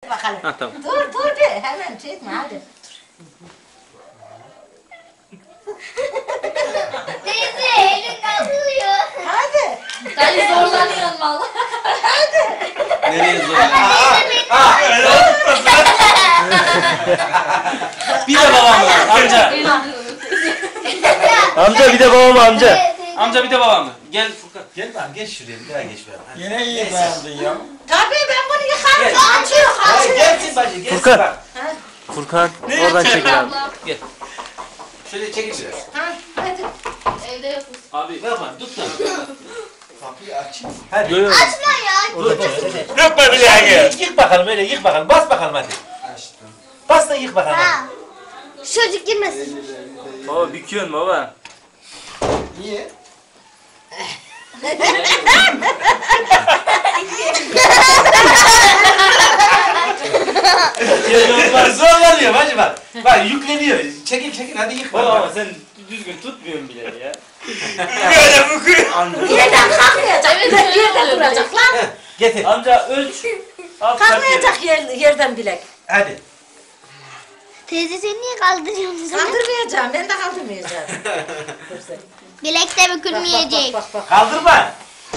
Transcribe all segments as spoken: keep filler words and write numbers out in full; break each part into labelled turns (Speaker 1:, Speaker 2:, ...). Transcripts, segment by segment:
Speaker 1: Hadi bakalım.
Speaker 2: Ha tamam.
Speaker 1: Dur dur bir hemen çekme hadi.
Speaker 3: Teyze elin kalkıyor.
Speaker 1: Hadi.
Speaker 3: Dayı zorlanıyorsun valla.
Speaker 2: Nereye zor? Bir de babam var amca.
Speaker 4: Amca bir de babam amca.
Speaker 2: Amca bir de babam var. Gel Furkan.
Speaker 5: Gel lan geç şuraya bir daha geç ben.
Speaker 6: Yine iyi dayandın ya.
Speaker 1: Tabii ben bunu yıkarım.
Speaker 5: Gel.
Speaker 1: Açıyor
Speaker 5: Hayır
Speaker 1: açıyor.
Speaker 5: gelsin bacı gelsin
Speaker 4: Furkan.
Speaker 5: bak.
Speaker 4: Furkan oradan çekil abi.
Speaker 5: Şöyle çekil biraz.
Speaker 1: Ha, hadi.
Speaker 3: Evde yokuz.
Speaker 2: Abi yapma tut da.
Speaker 5: Kapıyı açayım. Hadi.
Speaker 4: Yo yo.
Speaker 3: Açma ya.
Speaker 5: Dur dur.
Speaker 6: Yapma bir daha gel.
Speaker 5: Yık bakalım öyle yık bakalım. Bas bakalım hadi. Bas da yık bakalım.
Speaker 3: Ha. Çocuk girmesin.
Speaker 4: Baba büküyorsun baba.
Speaker 6: Niye?
Speaker 5: Bak zorlanıyor bacı bak. Bak yükleniyor. Çekil çekil hadi yık
Speaker 4: Baba ama
Speaker 5: bakalım.
Speaker 4: sen düzgün tutmuyorsun bile ya.
Speaker 6: Böyle büküyor.
Speaker 1: Yerden kalkmayacak.
Speaker 3: Evet,
Speaker 1: Bir de
Speaker 3: öyle
Speaker 1: yerden
Speaker 3: oluyor.
Speaker 1: duracak lan.
Speaker 5: Getir.
Speaker 4: Amca ölç. Al,
Speaker 1: Kalkmayacak yer, yerden bilek.
Speaker 5: Hadi.
Speaker 3: Teyze sen niye kaldırıyorsun?
Speaker 1: Kaldırmayacağım. Ben de kaldırmayacağım. Dur sen.
Speaker 3: Bilek de bükülmeyecek.
Speaker 1: Bak bak bak.
Speaker 5: Kaldırma.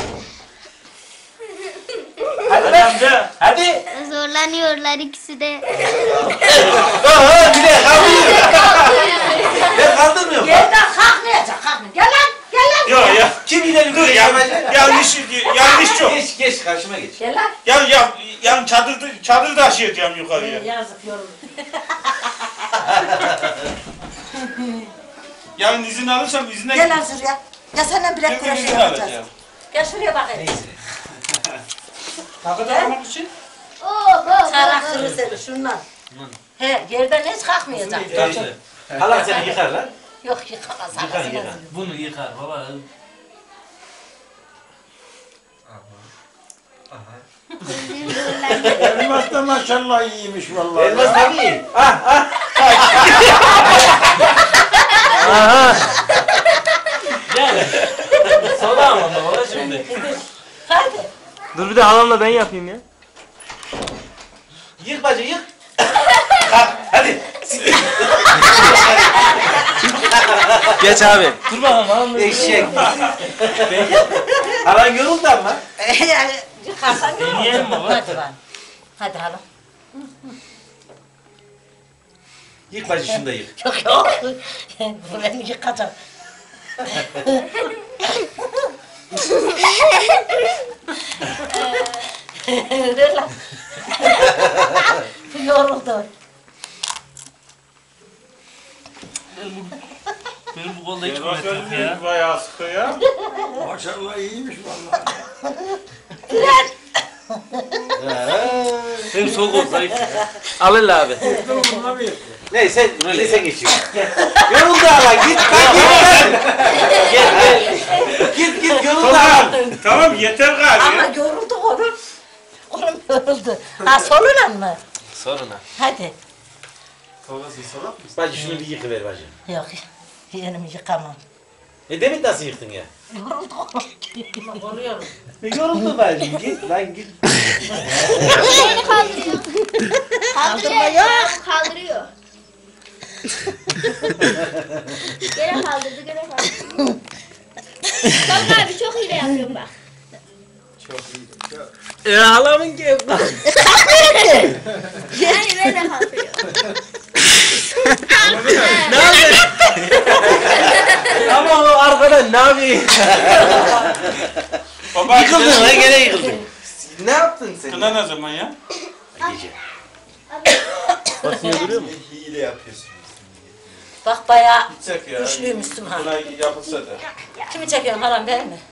Speaker 5: Hadi
Speaker 4: Hadi
Speaker 5: lan.
Speaker 4: amca.
Speaker 5: Hadi.
Speaker 3: Zorlanıyorlar ikisi de.
Speaker 5: Oho bir de kaldırıyor. Ben kaldırmıyorum.
Speaker 1: Yerden kalkmayacak. Kalkmayacak. Gel lan. Gel lan.
Speaker 6: Yok ya.
Speaker 5: Kim ileri
Speaker 6: Dur ya. Yanlış yanlış çok.
Speaker 5: Geç geç karşıma geç.
Speaker 1: Gel lan.
Speaker 6: Ya ya yan çadır çadır taşıyacağım yukarıya.
Speaker 1: Ee, Yazık yoruldu.
Speaker 6: Yarın izin alırsam izine
Speaker 1: Gel lan şuraya. Ya senden bilek
Speaker 6: Çünkü
Speaker 1: kurası
Speaker 6: izin
Speaker 1: yapacağız.
Speaker 6: alacağım.
Speaker 1: Gel şuraya bakayım.
Speaker 5: Neyse.
Speaker 6: Takı takmak için.
Speaker 3: Oo, bo,
Speaker 1: Çarak kırı seni şundan. He yerden hiç kalkmayacak.
Speaker 5: Neyse. Allah seni yıkar lan.
Speaker 1: Yok yıkamaz.
Speaker 5: Yıkar
Speaker 1: anasını
Speaker 5: yıkar.
Speaker 2: Bunu yıkar baba.
Speaker 6: Elmas da maşallah iyiymiş vallahi.
Speaker 5: Elmas tabii. Ah ah.
Speaker 4: Aha.
Speaker 2: Gel. Sola ama baba şimdi.
Speaker 1: Hadi.
Speaker 4: Dur bir de halamla ben yapayım ya.
Speaker 5: Yık bacı yık. Kalk hadi.
Speaker 4: Geç abi. Dur bakalım halamla.
Speaker 5: Eşek. Halan yoruldu ama.
Speaker 1: Yani yıkarsan yorulur.
Speaker 4: Deneyelim baba.
Speaker 1: Hadi lan. Hadi hala.
Speaker 5: Yık bacı şunu da yık.
Speaker 1: Yok yok. Ben yıkacağım. Ver lan. Yoruldu.
Speaker 2: Benim bu kolda hiç
Speaker 6: Elmas
Speaker 2: kuvvet yok ya.
Speaker 6: özümüz bayağı sıkı ya.
Speaker 7: Maşallah iyiymiş vallahi.
Speaker 4: Benim sol kol zayıf. Al elle abi.
Speaker 7: Bununla bir.
Speaker 5: Neyse röle sen geçiyor. Yoruldu hala git lan git. Gel gel. Git git yoruldu hala.
Speaker 6: Tamam yeter
Speaker 1: Ama
Speaker 6: gari.
Speaker 1: yoruldu oğlum. Oğlum yoruldu. Ha soluna mı?
Speaker 4: Soruna.
Speaker 1: Hadi.
Speaker 5: Bacı şunu bir yıkıver bacı.
Speaker 1: Yok. Yerimi yıkamam.
Speaker 5: E demin nasıl yıktın ya?
Speaker 1: Yoruldu oğlum. Oluyorum.
Speaker 5: E yoruldu bacı git lan git.
Speaker 3: Beni kaldırıyor. Kaldırıyor. Kaldırıyor. Gene kaldırdı, gene kaldırdı. Bak abi çok iyi yapıyorum bak.
Speaker 4: Ya halamın ki.
Speaker 3: Yani ben de kaldırıyorum.
Speaker 4: Ne yapıyorsun? Ama o arkadan ne yapayım?
Speaker 6: Baba
Speaker 5: Yıkıldın lan gene yıkıldın. Ne yaptın sen?
Speaker 6: Kına ne zaman ya?
Speaker 5: Gece.
Speaker 4: Basıyor duruyor mu?
Speaker 7: Hile yapıyorsun.
Speaker 1: Bak bayağı
Speaker 6: Gidecek ya.
Speaker 1: güçlüymüşsün ha.
Speaker 6: Kına yapılsa da.
Speaker 1: Kimi çekiyorsun haram ben mi?